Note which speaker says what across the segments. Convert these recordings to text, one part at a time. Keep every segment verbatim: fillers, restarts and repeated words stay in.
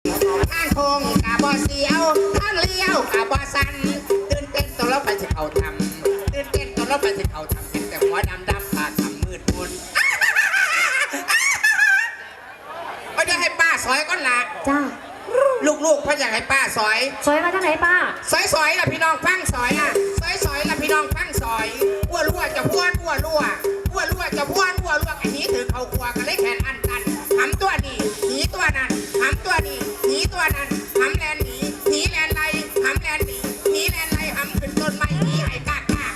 Speaker 1: ทางโค้งกะบ่เสียวทางเลี้ยวกะบ่สันตื่นเต้นตัวเราไปสิเขาทำตื่นเต้นตัวเราไปสิเขาทำเป็นแต่หัวดำดำปากทำมืดมนไม่ได้ให้ป้าซอยก้อนละ
Speaker 2: จ้า
Speaker 1: ลูกๆเพ่ออยากให้ป้าซอย
Speaker 2: สวยมาจากไหนป้า
Speaker 1: ซอยซอยละพี่น้องฟังซอยอ่ะซอยซอยละพี่น้องฟังซอยอ้วรั่วจะพ้วนอ้วรั่วอ้วรั่วจะพ้วนอ้วรั่วไอ้นี้ถือเขาครัวกันเลยแขนอันตันหำตัวนี้หนีตัวนั้นหำตัวนี้หนีตัวนั้นหำแลนหนีหนีแลนไรหำแลนหนีหนีแลนไรหำขึ้นต้นไม้หนีไอ้กากา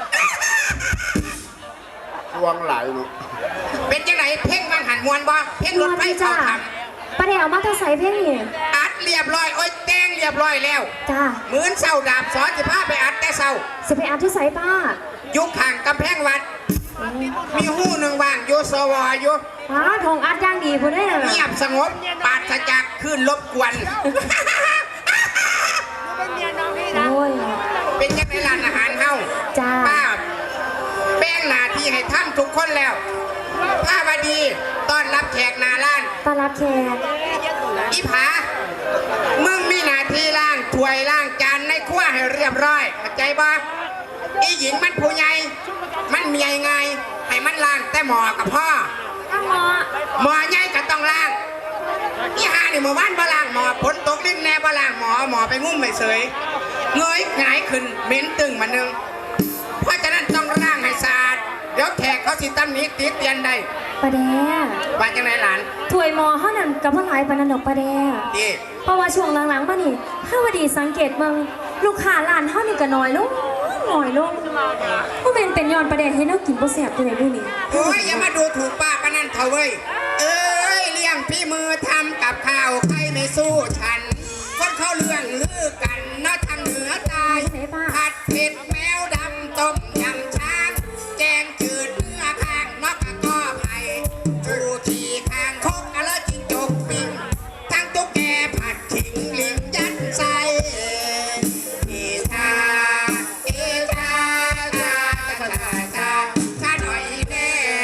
Speaker 3: ทวงไหลเนาะ
Speaker 1: เป็นจังไหนเพ่งบางหันมวนบ่เพ่งรถไฟเข้าท
Speaker 2: ป้าแดงเอามาเท่าใส่เพ่งนี่
Speaker 1: ำอัดเรียบร้อยโอ้ยแต้งเรียบร้อยแล้ว
Speaker 2: จ้า
Speaker 1: เหมือนเศร้าดาบสอนสิพาไปอัดแต่เศร้า
Speaker 2: สิไปอาบที่ใส่ป้า
Speaker 1: ยุคห่างกำแพงวัด มีหูหนึ่งว่างอยู่สวอยู่
Speaker 2: ป้าทองอัดย่างดีพูดได้เลย
Speaker 1: เงียบสงบปราศจากคลื่นรบกวน
Speaker 2: โอ้ย
Speaker 1: เป็นยังไงร้านอาหารเฮา
Speaker 2: จ้า
Speaker 1: ป้าแป้งหน้าที่ให้ท่านทุกคนแล้วป้าบดีต้อนรับแขกหนาร้าน
Speaker 2: ต้อนรับแขก
Speaker 1: อีผามึงมีหน้าที่ล้างถ้วยล้างจานในครัวให้เรียบร้อยเข้าใจบ่อีหญิงมันผู้ใหญ่มันมีไงให้มันล้างแต่หมอกับพ่อ
Speaker 2: ข้างหมอ
Speaker 1: หมอใหญ่ก็ต้องล้างอีหานี่เมื่อวานบ่ล้างหมอฝนตกลิ้นแน่บ่ล้างหมอหมอไปงุ้มไม่เสยเงยหงายขึ้นเหม็นตึงมานึงเพราะฉะนั้นต้องล้างให้สะอาดเดี๋ยวแขกเขาสิตำหนิติเตียนได้
Speaker 2: ป้าแดง
Speaker 1: ว่าจังไดหลาน
Speaker 2: ถ้วยหมอเขานั่นกับพ่อหลายปานนันดอกป้าแดง
Speaker 1: ดี
Speaker 2: เพราะว่าช่วงหลังๆมานี่ข้าวดีสังเกตเบิ่งลูกค้าร้านเฮานี่ก็น้อยลงน้อยลงผู้เป็นเป็นย้อนประเด็นให้เรากินบ่แซ่บตัวไหนบุนี่
Speaker 1: โอ้ยอย่ามาดูถูกป้าปะนั่นเถอะเว้ยเอ้ยเลี้ยงพี่มือทำกับข้าวใครไม่สู้ฉันคนเขาเรื่องลือกันนะทางเหนือใตาย
Speaker 2: ไหนป้า
Speaker 1: ผัดเผ็ดแมวดำต้มยำช้างแกงจืดเนื้อข้างนอกกระก้อไผ่จูขี่ข้างคกอะเลจิงจกปิ้งทั้งตุ๊กแกผัดขิงลิงยัดใส่เอชาเอชาชาชาชาชาชาหน่อยแน่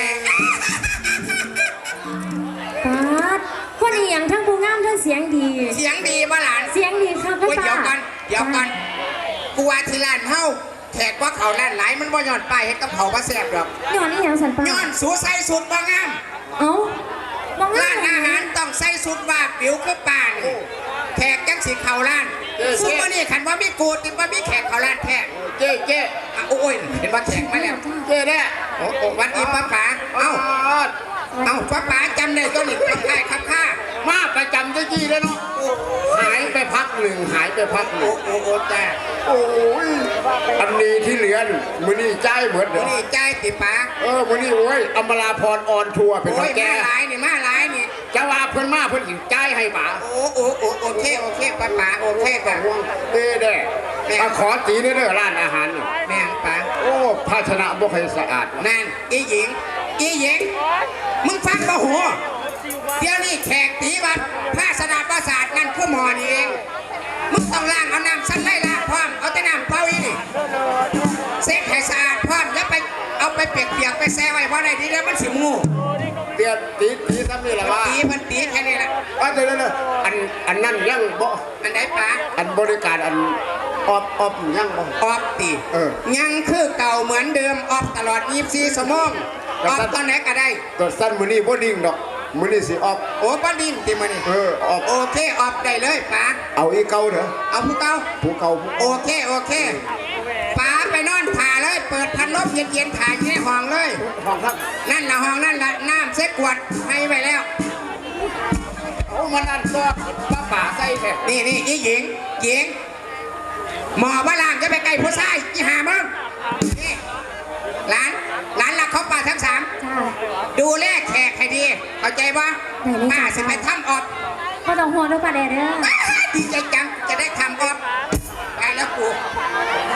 Speaker 2: ป้าดคนนี้ยังทั้งผู้งามทั้งเสียงดี
Speaker 1: เสียงดีบ่หลาน
Speaker 2: เสียงดีครับพ่อ
Speaker 1: โอ้ย
Speaker 2: ป้า
Speaker 1: เดี๋ยวก่อนเดี๋ยวก่อนกูว่าที่ร้านเฮาแขกว่าเขาร้านหลายมันบ่ย้อนไปเฮ็ดกับเขาบ่แซ่บหรอก
Speaker 2: ย้อนนี่ยังสันป้า
Speaker 1: ย้อนสูใส่สุดบ่งาม
Speaker 2: เอ้าบ่งา
Speaker 1: ร้าม นอาหารต้องใส่สุดว่าปิวคือป่านี่แขกจังสิเข้าร้านซุปมื้อนี้คันว่ามีกูติบ่มีแขกเข้าร้านแท้เจ๊เจ๊อ่ะโอ้ยเห็นว่าแขกมาแล้วเจ๊เด้อโอ้โอ้วันนี้ป้าป๋าเอ้าเอ้าป้าป๋าจำได้ตัวนี้ครับค่ายครับค่า
Speaker 3: มาประจำเจ้าจี้แล้วเนาะหายไปพักหนึ่งหายไปพักหนึ่
Speaker 1: โอ้
Speaker 3: ง
Speaker 1: โอ้โอ้จ้า
Speaker 3: โอ้ยอันนี้ที่เหลือนี่มือนี่ใจายเหมือนเดิ
Speaker 1: มื้อ
Speaker 3: ม
Speaker 1: นี้จ่ายติป๋า
Speaker 3: เออมือนี่โอ้ยอมราพรออนทัวร์เป็น
Speaker 1: โอ้
Speaker 3: ขอย งแก
Speaker 1: มาหลายนี่มาหลายนี่
Speaker 3: จะว่าเพิ่นมาเพิ่นสิใจายให้ป๋า
Speaker 1: โอ้โอ้โอ้โอเคโอเคป้าป๋าโอเคป่ะ
Speaker 3: ห่วงเด้เด้เอาขอตีเด้อเด้อร้านอาหารนี่
Speaker 1: แม่งป๋า
Speaker 3: โอ้ภาชนะบ่ค่อยสะอาด
Speaker 1: นั่นอีหญิงอีหญิงมึงฟังบ่หัวเดี๋ยวนี้แขกตีบัดภาสนาประสาทนั่นคือหมอนี่เองมึงต้องล้างเอาน้ำสั้นไล่ล้างพร้อมเอาแต่น้ำเปล่าอีนี่เซ็ตให้สะอาดพร้อมอย่าไปเอาไปเปียกๆไปแช่ไว้เพราะอะไรดีแล้วมันสิมู
Speaker 3: เตียนตีตีซ้ำนี่แหละว่า
Speaker 1: ตีมันตีแค่นี้แหละ
Speaker 3: ว่าเดี๋ยวเดี๋ยวอันอันนั้นยังบ่
Speaker 1: อันไหนป๋า
Speaker 3: อันบริการอันออบออบยังบ่
Speaker 1: ออฟตี
Speaker 3: เออ
Speaker 1: ยังคือเก่าเหมือนเดิมออฟตลอดยี่สิบสี่ชั่วโมงออฟตอนไหนก็ได้
Speaker 3: ตัวสั้นมือนี่บ่ดิ่งดอกมือนี่สิออบ
Speaker 1: โอ้ป้าดินตีมานี่
Speaker 3: เออออบ
Speaker 1: โอเคออฟได้เลยป๋า
Speaker 3: เอาอีเก่าเถอะ
Speaker 1: เอาผู้เก่า
Speaker 3: ผู้เก่าผู้
Speaker 1: โอเคโอเคป๋าไปนอนถ่าเลย เปิดพัดลมเย็นๆถ่ายอยู่ในห้องเลย
Speaker 3: ห้องทัก
Speaker 1: นั่นละห้องนั่นละน้ำเซ็กขวดให้ไปแล้ว
Speaker 3: โอ้มันอันตัวป้าป่าใส่แท้
Speaker 1: นี่นี่อีหญิงหญิงหมอว่าล่างจะไปไกลผู้ชายอีหามึงนี่หลานหลานรักเขาป่าทั้งสาม
Speaker 2: จ้า
Speaker 1: ดูแลแขกให้ดีเข้าใจปะ
Speaker 2: ได้เลยจ้ะ
Speaker 1: ป้าสิไปทำออก
Speaker 2: บ่ต้องห่วงเด้อป้าแดงเด้อ
Speaker 1: ดีใจจังจะได้ทำออกไปแล้วกู